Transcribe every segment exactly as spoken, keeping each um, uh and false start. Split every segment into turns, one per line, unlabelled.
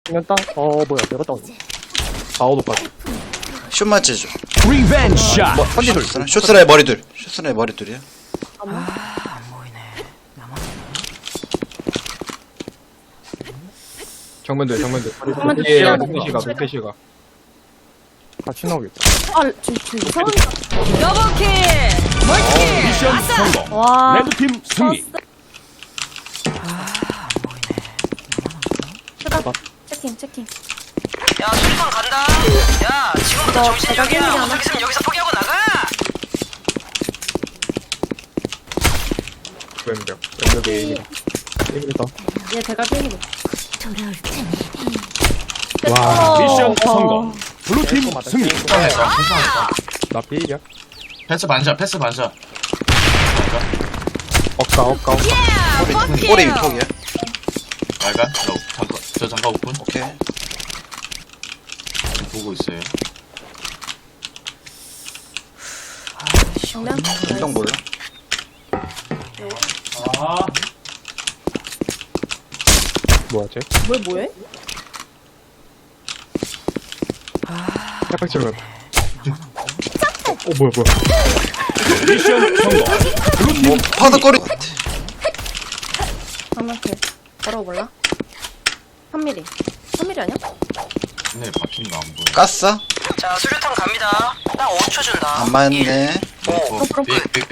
그냥 땅. 어 뭐야 내가 땅. 사오도까지.
슛 맞지죠.
리벤지 샷.
뭐, 쇼스나 쇼스나의 머리둘. 쇼스나의 머리둘이야.
정면들 정면들
정면들
예
지나가.
루페시가 루페시가
같이 나오겠다.
아, 저, 저 이상한.
더블킬! 멀티킬!
미션 성공.
와.
레드팀 승리.
휴가. 체킹, 체킹.
야, 수리탄 간다. 야, 지금부터
너
정신력이야.
대각이야,
못 하겠으면 여기서 포기하고 나가.
왼벽 왼벽에 에임이다
게임이다.
얘 대가 게임이.
와.
미션
어.
성공. 블루팀 승리.
나 비일이야.
패스 반샷, 패스 반샷.
억까 억까 억까.
꼬리 꼬리 위폭이야.
말간? 저, 잠깐, 저 잠깐 오픈.
오케이.
보고 있어요.
정면?
운동 몰라.
뭐야 쟤?
뭘 뭐해?
짝짝 질렀다. 어 뭐야 뭐야.
미션 성공. 블루팀
파도 꼬리.
정면킬. 바로 몰라? 삼 밀리. 삼 밀리 아니야?
네, 박힌 거안 보여.
깠어?
자, 수류탄 갑니다. 딱 오 초 준다.
안 맞네.
어, 삑, 삑, 삑.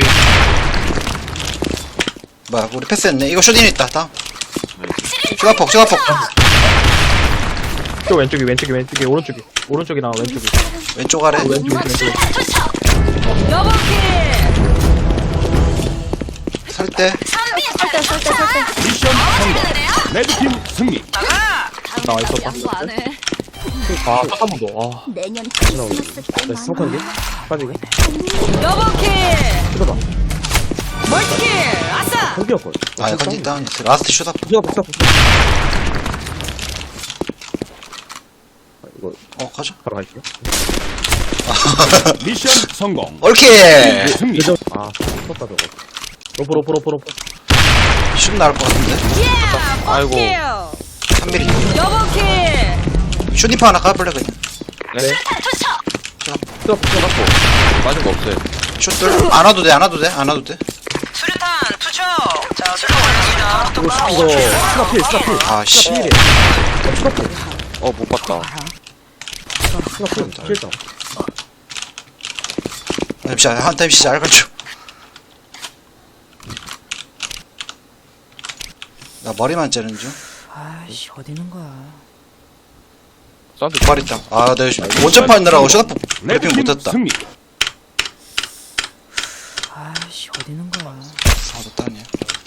뭐야 우리 패스했네. 이거 슛인 있다. 다음.
네.
슈가폭 슈가폭.
저 왼쪽이 왼쪽이 왼쪽이 오른쪽이 오른쪽이 나 왼쪽이.
왼쪽 아래.
왼쪽이 왼쪽이.
더블킬!
설대.
설대, 설대, 설대.
미션 성공. 레드팀 승리.
나가!
나 있었다. 아, 딱 한 번 더. 아,
내년
나오네. 나 스모크인데? 빠지게.
더블킬!
들어봐.
멀티킬! 아싸!
한비였걸.
아 컨디 다운. 라스트 슛업.
부수가 부수가 부수. 아, 이거
어 가자.
바로 갈게요.
미션 성공.
오케이.
승리.
예전, 아, 썼다 저거. 로프 로프 로프 로프.
슛 나올 것 같은데.
아이고.
삼 미리.
더블킬!
슛니프 하나 까볼래 그냥.
네. 수가 부수갖고 맞은 거 없어요.
슛들 안 와도 돼. 안 와도 돼. 안 와도 돼.
수류탄 투척! 자, 수류탄 올렸습니다.
이거 수- 이거 수가 필 수가 필.
아 씨.
필이래. 수가 필. 어, 못 봤다. 수가 필. 필다.
잠시만 한 타임 시작 알겠죠. 나 머리만 째는 중.
아이씨, 어디 있는 거야?
사운드
머리 있다. 아 내가 원점파 있느라고 슛업 브리핑
레드팀
못했다.
승리.
아이씨, 어디 있는 거야?
사도 딴이야.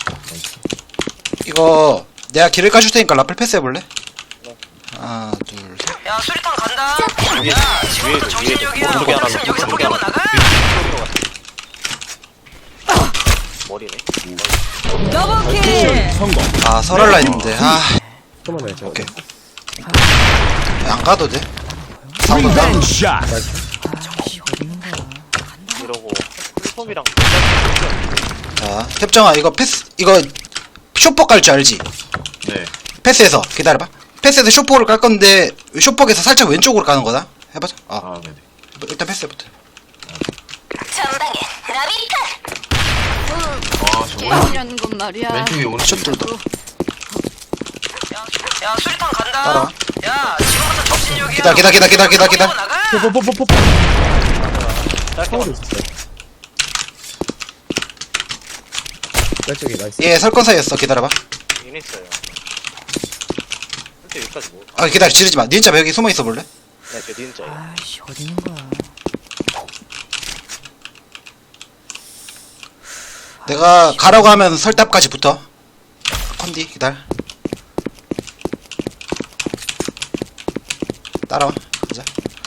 이거 내가 길을 까줄 테니까 라플 패스 해볼래? 하나 둘 셋.
야, 수리탄 간다. 야, 지금부터 정신력이야. 못 하겠으면 여기서 포기하고 나가. 더블킬!
미션 성공.
아 설할라 했는데. 아
좀만 해. 제가.
오케이. 안 가도 돼. 사도 딴.
리벤지 샷.
자 협정아 이거 패스 이거 쇼폭 깔 줄 알지?
네.
패스해서 기다려봐. 패스해서 쇼폭을 깔 건데 쇼폭에서 살짝 왼쪽으로 가는 거다. 해보자. 어
아, 네네.
일단 패스해부터.
전방에 라비카
아, 저거
이런 건 말이야.
왼쪽에 오른쪽.
슛들도
야, 수리탄 간다.
따라와.
야, 지금부터 정신력이야.
기다 기다 기다 기다 기다 기다.
포기하고 나가.
뽀뽀뽀뽀뽀. 서울에 있었어요. 왼쪽이 나이스.
얘 설건 사이였어. 기다려봐.
있어요. 근데 여기까지 뭐?
아 기다려 지르지 마. 닌자 여기 숨어 있어 볼래?
네, 저 닌자예요.
아이씨, 어디 있는 거야?
내가 가라고 하면 설탑까지 붙어. 컨디 기다려. 따라와. 가자.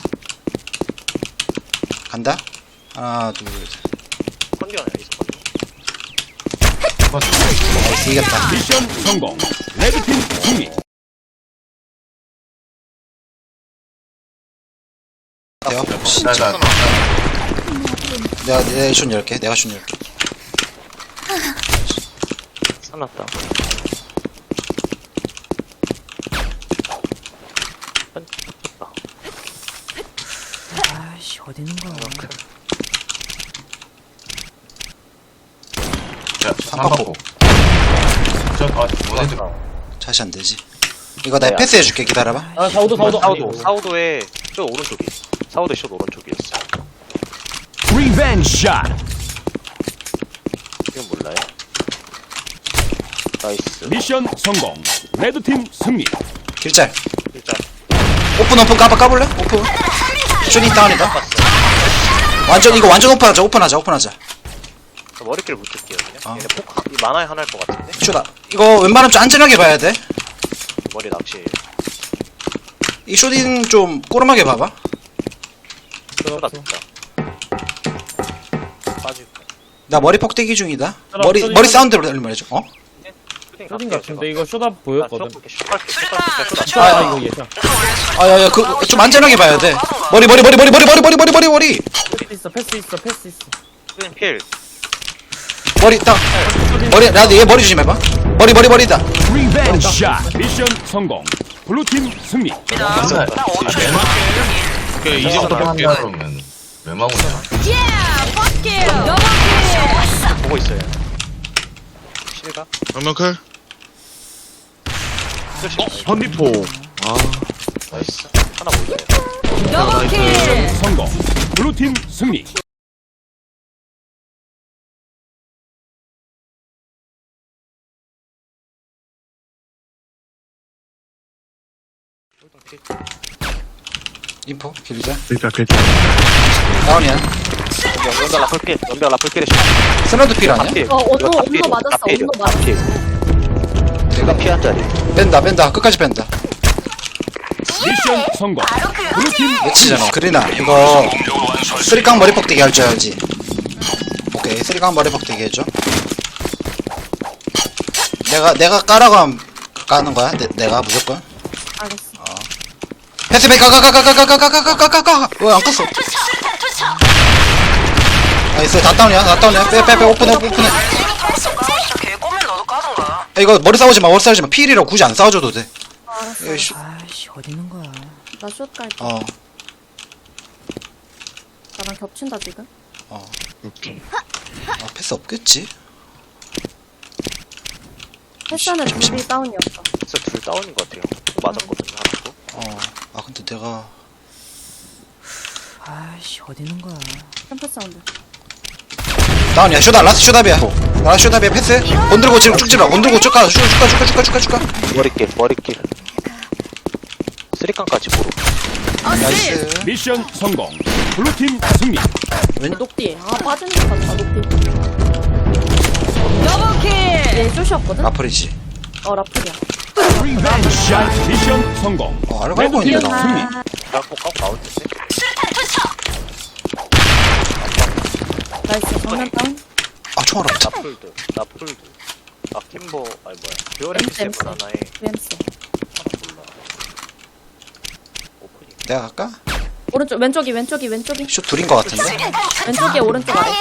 간다. 하나 둘 셋.
컨디가 아니라 있어, 컨디.
나이스 이겼다.
미션 성공. 레드팀 승리.
대요.
나, 나, 나.
내가 내가 슛 열게. 내가 슛 열게.
끝났다.
어디 있는 거야?
야, 삼박고. 저, 아, 뭐네들.
다시 안 되지. 이거 나
네,
패스 해줄게. 기다려봐.
아 사우도 사우도
사우도 사우도에 저 오른쪽이 사우도 숏 오른쪽이었어.
리벤지 샷.
이건 몰라요? 나이스.
미션 성공. 레드팀 승리.
길짤.
일단
오픈 오픈 까봐 까볼래? 오픈. 쇼니 다운이다. 완전 이거 완전 오픈하자. 오픈하자. 오픈하자.
저 머리끼를 붙을게요 그냥.
어.
얘네 폭 이 만화에 하나일 것 같은데.
쇼다. 이거 웬만하면 좀 안전하게 봐야 돼.
머리 낚시.
이 쇼딘 좀 꼬름하게 봐봐.
쏟아 줬다. 빠지고.
나 머리 폭대기 중이다.
쇼다,
머리
쇼딘
머리
쇼딘.
사운드를 말해줘. 어?
쇼딘 같은데 이거 쇼다 보였거든.
아,
아 이거 예샷.
아야야 그 좀 안전하게 봐야 돼. 머리 머리 머리 머리 머리 머리 머리 머리 머리 머리
패스 있어 패스 있어 패스 있어.
쇼딘 필.
머리 딱 머리 나도 얘 머리 조심해봐. 머리 머리 머리다.
리벤지 샷. 미션 성공. 블루팀 승리.
맨날, 그, 이 정도 할게, 그러면. 왜 막으냐?
보고 있어요. 실가?
정면클
어?
선비포 아
나이스.
하나 보이네요.
미션 성공. 블루팀 승리.
인포 길자.
글자 글자
다운이야.
연병 라플 필. 연병 라플 필에
스나드 필 아니야?
어, 온도, 온도 맞았어, 온도 맞았어.
내가 피한 자리.
뺀다 뺀다 끝까지 뺀다.
미션 성공. 블루팀
매치잖아. 그리나 이거 쓰리깡 머리 폭대기 할 줄 알지. 오케이 쓰리깡 머리 폭대기 해줘. 내가 내가 까라고 하면 까는 거야? 내, 내가 무조건.
알겠어.
패스 패 가가가가가가가가가가가가 왜안 껐어? 나이스 다 다운이야 다 다운이야 빼 빼 빼 오픈해 오픈해.
걔 꼬면 너도 까던가.
야, 이거 머리 싸우지 마 머리 싸우지 마 필이라고 굳이 안 싸워줘도 돼.
알았어.
이거 씨,
아이씨 어디 있는 거야?
나숏 갈게.
어
나랑 겹친다, 지금.
오케이
어, 패스 없겠지?
패션은 둘이 다운이었어.
진짜 둘 다운인 것 같아요. 맞았거든요, 하나도.
어아 근데 내가
아이씨 어디 있는 거야?
캠프 사운드.
다운이야 쇼다 라스 쇼답이야 라스 쇼답이야 패스 건들고 지금 쭉 집어 건들고 쭉 가 쭉 가 쭉 가 쭉 가 쭉 가 쭉 가
머리길, 머리길. 쓰리깡까지 보러.
나이스
미션 성공. 블루팀 승리.
왼
녹디. 아, 빠지는 것 같다, 녹디. 얘 숏이었거든?
라플이지.
어, 라플이야.
리벤지 샷. 미션 성공.
어 알고 알고
레드팀
있네 나.
승리.
깎고 깎고 나올 텐데.
나이스, 정면 다운.
아 총알 없다.
나풀드, 나풀드. 아, 팀버, 아니 뭐야. 듀얼 엑스
엠스.
하나에
브이엠씨.
하나 몰라. 오프닝.
내가 갈까?
오른쪽, 왼쪽이, 왼쪽이, 왼쪽이.
슛 둘인 것 같은데?
왼쪽이 오른쪽 아래.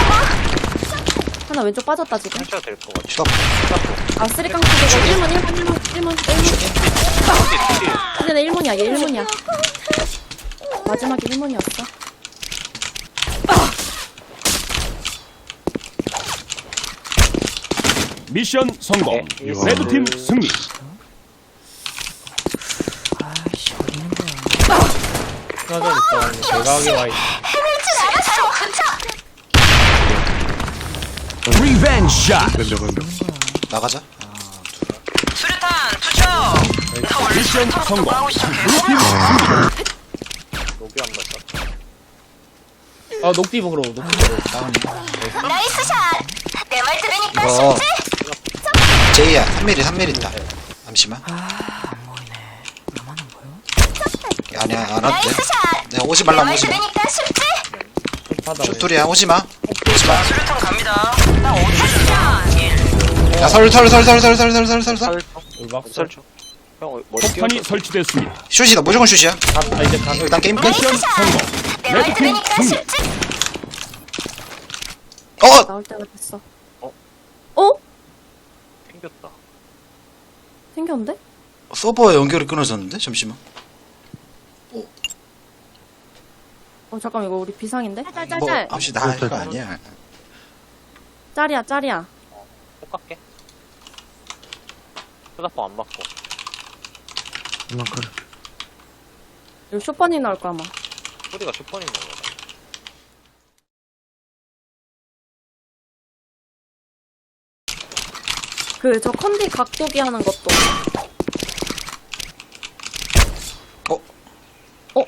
하나 왼쪽 빠졌다, 지금.
살짝 될것 같아.
슛
아, 쓰리깡 두개고 일 문, 일 문, 일 문, 일 문, 일 문. 근데 일 문이야, 얘 일 문이야. 마지막에 일 문이었어.
미션 성공.
네,
레드팀 승리.
아이씨 어디 있는 거야?
하나 전 있다. 대각에 와 있어.
리벤지 샷.
왼쪽 왼쪽
나가자.
수류탄 투척.
미션 성공. 블루팀
로비 한 번 써.
아 녹디 보러 녹디 보러.
다운이야.
나이스 샷. 내 말 들으니까
이거 제이야 삼 밀리 삼 밀리 있다. 잠시만.
안 보이네. 나만 안 보여?
아니야 안 와도 돼.
나이스 샷.
내가 오지
내
말라
말
오지 마.
들으니까 쉽지?
하다.
슛 둘이야 오지 마. 오지 마.
수류탄 갑니다. 나 어디야?
야설설설설설설설설설
설정.
울박설.
설정. 형, 머리
폭탄이
띄워줘.
설치됐습니다.
슛이다 무조건 슛이야.
나 이제 가.
일단 게임 끝.
미션 성공.
내 말
레드팀
들으니까
승리.
쉽지?
어
나올 때가 됐어.
어?
어?
생겼다.
생겼는데?
서버 연결이 끊어졌는데 잠시만.
어 잠깐 이거 우리 비상인데?
뭐
짤짤짤.
아무시 나 이거 아니야.
짤이야 짤이야.
꼭 갈게. 휴대폰 안 맞고.
이만큼.
이거 쇼퍼니 나올 거 아마.
소리가 슈퍼니 있는 거다.
그 저 컨디 각도기 하는 것도.
어?
어?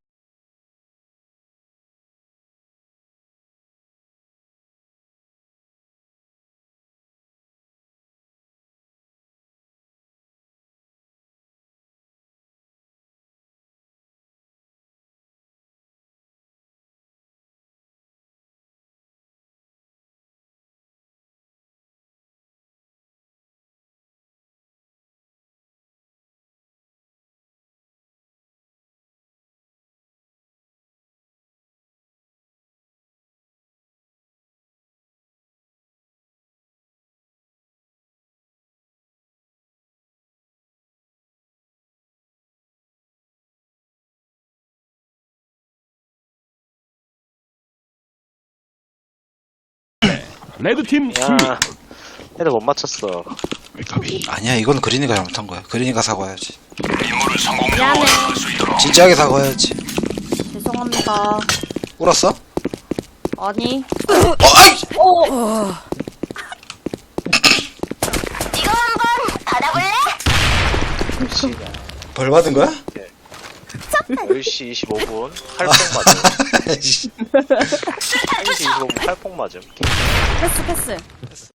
레드팀 승리.
야, 애들 못 맞췄어.
아니야 이건 그린이가 잘못한 거야. 그린이가 사과해야지.
미안해.
진지하게 사과해야지.
죄송합니다.
울었어?
아니.
어 아이!
이거 한번 받아볼래?
벌 받은 거야?
열 시 이십오 분 팔폭 맞음. 열 시 이십오 분 팔폭 맞음.
패스 패스.